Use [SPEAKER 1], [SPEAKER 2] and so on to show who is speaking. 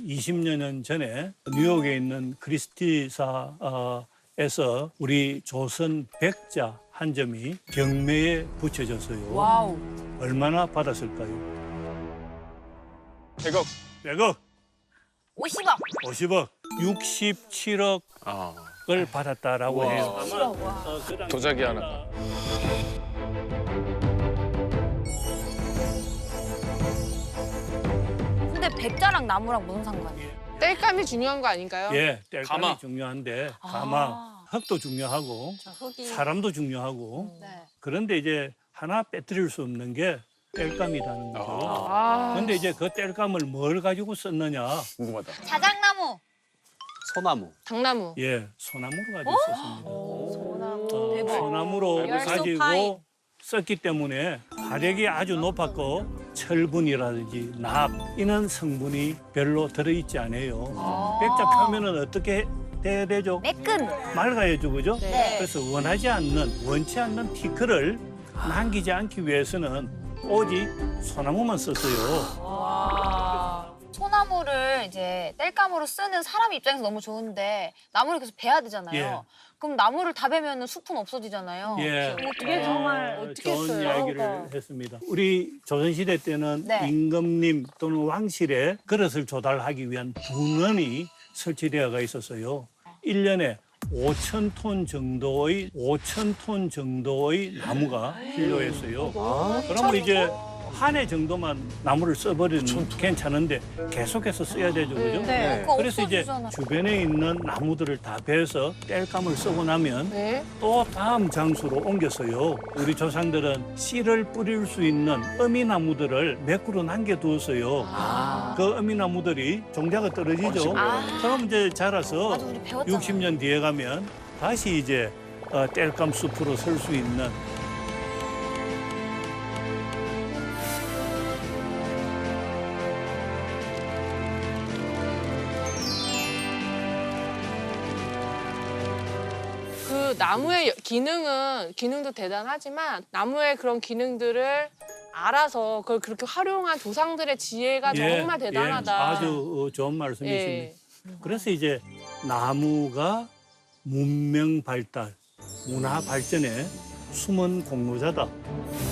[SPEAKER 1] 20여 년 전에 뉴욕에 있는 크리스티사에서 우리 조선 백자 한 점이 경매에 붙여졌어요.
[SPEAKER 2] 와우.
[SPEAKER 1] 얼마나 받았을까요?
[SPEAKER 3] 100억.
[SPEAKER 1] 100억,
[SPEAKER 2] 50억.
[SPEAKER 1] 50억, 67억을
[SPEAKER 3] 아.
[SPEAKER 1] 받았다라고
[SPEAKER 3] 와.
[SPEAKER 1] 해요. 아마
[SPEAKER 2] 와.
[SPEAKER 1] 그 당시
[SPEAKER 3] 도자기 하나.
[SPEAKER 2] 근데 백자랑 나무랑 무슨 상관이에요?
[SPEAKER 4] 땔감이 중요한 거 아닌가요?
[SPEAKER 1] 예, 땔감이
[SPEAKER 3] 가마.
[SPEAKER 1] 중요한데
[SPEAKER 2] 아.
[SPEAKER 1] 가마, 흙도 중요하고
[SPEAKER 2] 저 흙이.
[SPEAKER 1] 사람도 중요하고
[SPEAKER 2] 네.
[SPEAKER 1] 그런데 이제 하나 빼뜨릴 수 없는 게 땔감이라는 거죠.
[SPEAKER 4] 아,
[SPEAKER 1] 그런데 이제 그 땔감을 뭘 가지고 썼느냐?
[SPEAKER 3] 궁금하다.
[SPEAKER 2] 자작나무.
[SPEAKER 5] 소나무.
[SPEAKER 4] 당나무.
[SPEAKER 1] 예, 소나무로 가지고 썼습니다.
[SPEAKER 2] 소나무. 대박.
[SPEAKER 1] 소나무로
[SPEAKER 2] You're so
[SPEAKER 1] 가지고
[SPEAKER 2] fine.
[SPEAKER 1] 썼기 때문에 화력이 아주 높았고 철분이라든지 납 이런 성분이 별로 들어있지 않아요. 백자 표면은 어떻게 돼야 되죠?
[SPEAKER 2] 매끈.
[SPEAKER 1] 맑아야죠, 그죠?
[SPEAKER 2] 네.
[SPEAKER 1] 그래서 원치 않는 티크를 남기지 않기 위해서는 오직 소나무만 썼어요.
[SPEAKER 2] 와. 소나무를 이제 땔감으로 쓰는 사람 입장에서 너무 좋은데 나무를 계속 베야 되잖아요.
[SPEAKER 1] 예.
[SPEAKER 2] 그럼 나무를 다 베면 숲은 없어지잖아요.
[SPEAKER 1] 예.
[SPEAKER 2] 이게 정말
[SPEAKER 4] 어떻게
[SPEAKER 1] 좋은
[SPEAKER 4] 했어요?
[SPEAKER 1] 이야기를 했습니다. 우리 조선시대 때는
[SPEAKER 2] 네.
[SPEAKER 1] 임금님 또는 왕실에 그릇을 조달하기 위한 분원이 설치되어가 있었어요. 1년에 5,000톤 정도의 나무가 필요했어요. 그러면 이제 한 해 정도만 나무를 써버리면 괜찮은데 계속해서 써야 되죠, 그죠?
[SPEAKER 2] 네. 그거
[SPEAKER 1] 그래서 이제
[SPEAKER 2] 없어지잖아.
[SPEAKER 1] 주변에 있는 나무들을 다 베서 땔감을 쓰고 나면
[SPEAKER 4] 네.
[SPEAKER 1] 또 다음 장소로 옮겼어요. 우리 조상들은 씨를 뿌릴 수 있는 어미나무들을 몇 그루 남겨두었어요. 그 어미나무들이 종자가 떨어지죠. 그럼 이제 자라서
[SPEAKER 2] 맞아, 우리 배웠잖아.
[SPEAKER 1] 60년 뒤에 가면 다시 이제 땔감 숲으로 설 수 있는
[SPEAKER 4] 그 나무의 기능도 대단하지만 나무의 그런 기능들을 알아서 그걸 그렇게 활용한 조상들의 지혜가 정말 대단하다.
[SPEAKER 1] 예, 아주 좋은 말씀이십니다.
[SPEAKER 4] 예.
[SPEAKER 1] 그래서 이제 나무가 문명 발달, 문화 발전의 숨은 공로자다.